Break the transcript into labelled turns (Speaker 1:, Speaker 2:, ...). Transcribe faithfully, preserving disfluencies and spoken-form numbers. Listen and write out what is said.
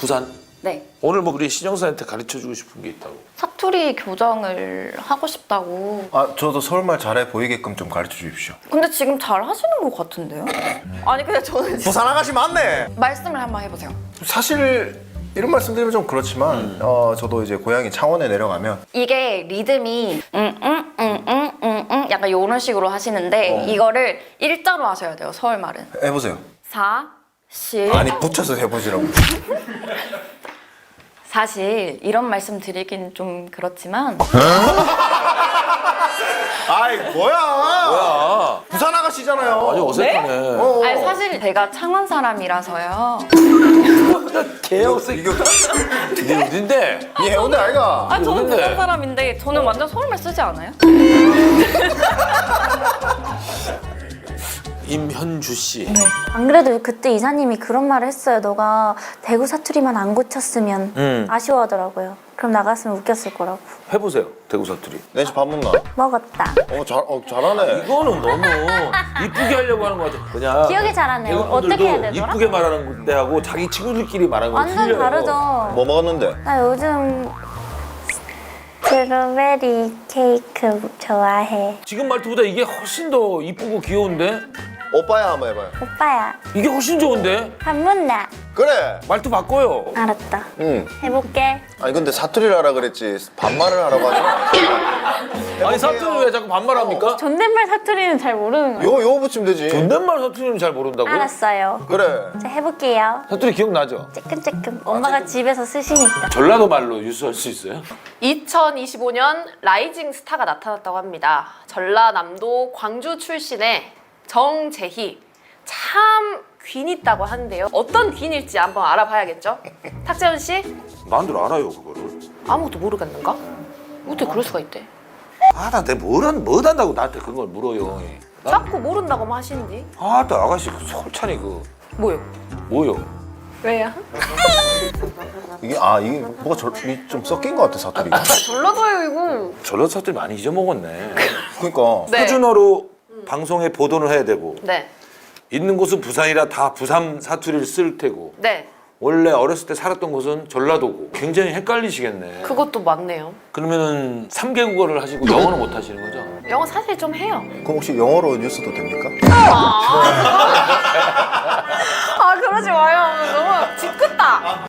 Speaker 1: 부산?
Speaker 2: 네.
Speaker 1: 오늘 뭐 우리 신영사한테 가르쳐주고 싶은 게 있다고.
Speaker 2: 사투리 교정을 하고 싶다고.
Speaker 3: 아 저도 서울말 잘해 보이게끔 좀 가르쳐 주십시오.
Speaker 2: 근데 지금 잘 하시는 것 같은데요? 아니 근데 저는 지금
Speaker 3: 부산 아가씨 맞네.
Speaker 2: 말씀을 한번 해보세요.
Speaker 3: 사실 이런 말씀드리면 좀 그렇지만
Speaker 1: 음.
Speaker 3: 어 저도 이제 고향이 창원에 내려가면
Speaker 2: 이게 리듬이 응응응응응응 약간 이런 식으로 하시는데 이거를 일자로 하셔야 돼요. 서울 말은.
Speaker 3: 해보세요.
Speaker 2: 사, 실.
Speaker 3: 아니 붙여서 해보시라고.
Speaker 2: 사실 이런 말씀 드리긴 좀 그렇지만
Speaker 3: 아이 뭐야?
Speaker 1: 뭐야?
Speaker 3: 부산 아가씨잖아요.
Speaker 1: 아주 어색하네.
Speaker 3: 어, 어.
Speaker 2: 아니 사실 제가 창원 사람이라서요.
Speaker 1: 개역스 이거. 이게 어딘데?
Speaker 3: 이 해운대 아이가.
Speaker 2: 아 저는
Speaker 1: 어딘데?
Speaker 2: 부산 사람인데 저는 완전 서울말 쓰지 않아요?
Speaker 1: 임현주 씨.
Speaker 4: 안 그래도 그때 이사님이 그런 말을 했어요. 너가 대구 사투리만 안 고쳤으면
Speaker 1: 음.
Speaker 4: 아쉬워하더라고요. 그럼 나갔으면 웃겼을 거라고.
Speaker 1: 해보세요. 대구 사투리.
Speaker 3: 내집 밥 먹나?
Speaker 4: 먹었다.
Speaker 3: 어, 잘, 어 잘하네.
Speaker 1: 이거는 너무 이쁘게 하려고 하는 것 같아. 그냥
Speaker 4: 기억이 잘 안 나요.
Speaker 1: 대구 분들도
Speaker 4: 어떻게 해야 되더라?
Speaker 1: 이쁘게 말하는 건데하고 자기 친구들끼리 말하는 거
Speaker 4: 완전
Speaker 1: 틀려요.
Speaker 4: 다르죠.
Speaker 3: 뭐 먹었는데?
Speaker 4: 나 요즘 스트로베리 케이크 좋아해.
Speaker 1: 지금 말투보다 이게 훨씬 더 이쁘고 귀여운데?
Speaker 3: 오빠야 한번 해봐요.
Speaker 4: 오빠야,
Speaker 1: 이게 훨씬 좋은데?
Speaker 4: 밥 먹나?
Speaker 3: 그래.
Speaker 1: 말투 바꿔요.
Speaker 4: 알았다.
Speaker 3: 응.
Speaker 4: 해볼게.
Speaker 3: 아니 근데 사투리를 하라 그랬지 반말을 하라고 하지.
Speaker 1: 아니 사투리 왜 자꾸 반말합니까?
Speaker 4: 존댓말 사투리는 잘 모르는 거예요.
Speaker 3: 요, 요 붙이면 되지.
Speaker 1: 존댓말 사투리는 잘 모른다고요?
Speaker 4: 알았어요.
Speaker 3: 그래.
Speaker 4: 자, 해볼게요.
Speaker 1: 사투리 기억나죠?
Speaker 4: 쬐끔쬐끔. 엄마가 집에서 쓰시니까.
Speaker 1: 전라도 말로 유수할 수 있어요?
Speaker 5: 이천이십오 년 라이징 스타가 나타났다고 합니다. 전라남도 광주 출신의 정재희. 참 귀인 있다고 하는데요. 어떤 귀인일지 한번 알아봐야겠죠? 탁재훈 씨?
Speaker 1: 나도 알아요 그거를.
Speaker 5: 아무것도 모르겠는가? 어떻게 그럴 수가 있대?
Speaker 1: 아나 내가 뭘, 한, 뭘 한다고 나한테 그런 걸 물어요. 나,
Speaker 5: 자꾸 모른다고만 하시는지.
Speaker 1: 아나 아가씨 그 솔찬이 그
Speaker 5: 뭐요?
Speaker 1: 뭐요?
Speaker 5: 왜요?
Speaker 3: 이게 아 이게 뭐가 절, 이 좀 섞인 것 같아 사투리가.
Speaker 5: 전라도예요 이거.
Speaker 1: 전라도 사투리 많이 잊어먹었네.
Speaker 3: 그러니까.
Speaker 5: 네.
Speaker 1: 표준어로 방송에 보도를 해야 되고
Speaker 5: 네.
Speaker 1: 있는 곳은 부산이라 다 부산 사투리를 쓸 테고
Speaker 5: 네.
Speaker 1: 원래 어렸을 때 살았던 곳은 전라도고 굉장히 헷갈리시겠네.
Speaker 5: 그것도 맞네요.
Speaker 1: 그러면은 삼 개 국어를 하시고 영어는 못 하시는 거죠?
Speaker 5: 영어 사실 좀 해요.
Speaker 3: 그럼 혹시 영어로 뉴스도 됩니까?
Speaker 5: 아 그러지 마요. 너무 짓궂다.